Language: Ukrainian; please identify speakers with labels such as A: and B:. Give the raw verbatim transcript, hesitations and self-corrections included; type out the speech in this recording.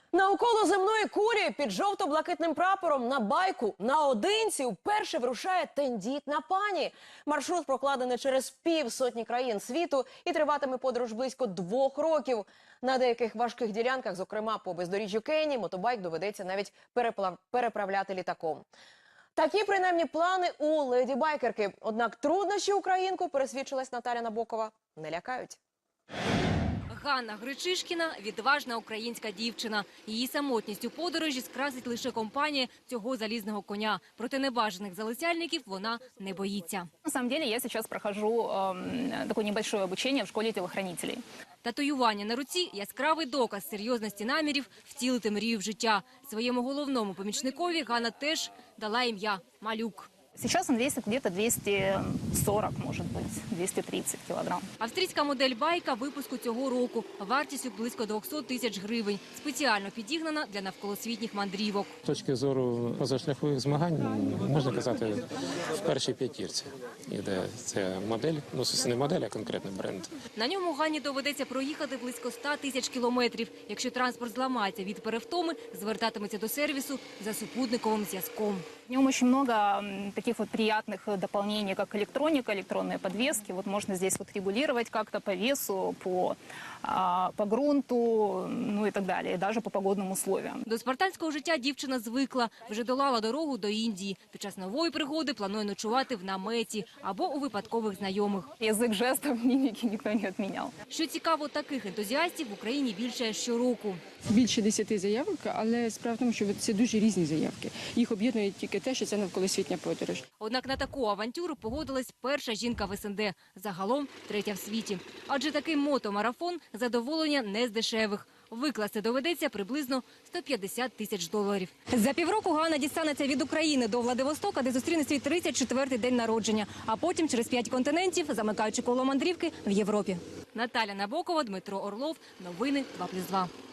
A: Навколо земної кулі під жовто-блакитним прапором на байку наодинці вперше вирушає тендітна пані. Маршрут прокладений через півсотні країн світу і триватиме подорож близько двох років. На деяких важких ділянках, зокрема по бездоріжжю Кенії, мотобайк доведеться навіть переплав... переправляти літаком. Такі принаймні плани у леді-байкерки. Однак труднощі українку, пересвідчилась Наталя Набокова, не лякають.
B: Ганна Гречишкіна – відважна українська дівчина. Її самотність у подорожі скрасить лише компанія цього залізного коня. Проте небажаних залицяльників вона не боїться.
C: На самом деле я сейчас прохожу э, такое небольшое обучение в школе телохранителей.
B: Татуювання на руці – яскравий доказ серйозності намірів втілити мрію в життя. Своєму головному помічникові Ганна теж дала ім'я – Малюк.
C: Сейчас он весит где-то двести сорок, может быть, двести тридцать килограмм.
B: Австрійська модель байка випуску цього року. Вартістю близько двохсот тисяч гривень. Спеціально підігнана для навколосвітніх мандрівок.
D: З точки зору позашляхових змагань, можна казати, в першій п'ятірці іде ця модель. Ну, це не модель, а конкретний бренд.
B: На ньому Ганні доведеться проїхати близько ста тисяч кілометрів. Якщо транспорт зламається від перевтоми, звертатиметься до сервісу за супутниковим зв'язком.
C: В нем очень много таких вот приятных дополнений, как электроника, электронные подвески. Вот можно здесь вот регулировать как-то по весу, по, а, по грунту, ну и так далее, и даже по погодным условиям.
B: До спартанського життя дівчина звикла. Вже долала дорогу до Індії. Під час нової пригоди планує ночувати в наметі або у випадкових знайомих.
C: Язык жестов, мимики никто не отменял.
B: Що цікаво, таких ентузіастів в Україні більше щороку.
E: Більше десяти заявок, але справа в тому, що це дуже різні заявки. Їх об'єднує тільки те, що це навколосвітня подорож.
B: Однак на таку авантюру погодилась перша жінка в ес ен де, загалом третя в світі. Адже такий мотомарафон – задоволення не з дешевих. Викласти доведеться приблизно сто п'ятдесят тисяч доларів. За півроку Ганна дістанеться від України до Владивостока, де зустріне свій тридцять четвертий день народження. А потім через п'ять континентів, замикаючи коло мандрівки в Європі. Наталя Набокова, Дмитро Орлов. Новини два плюс два.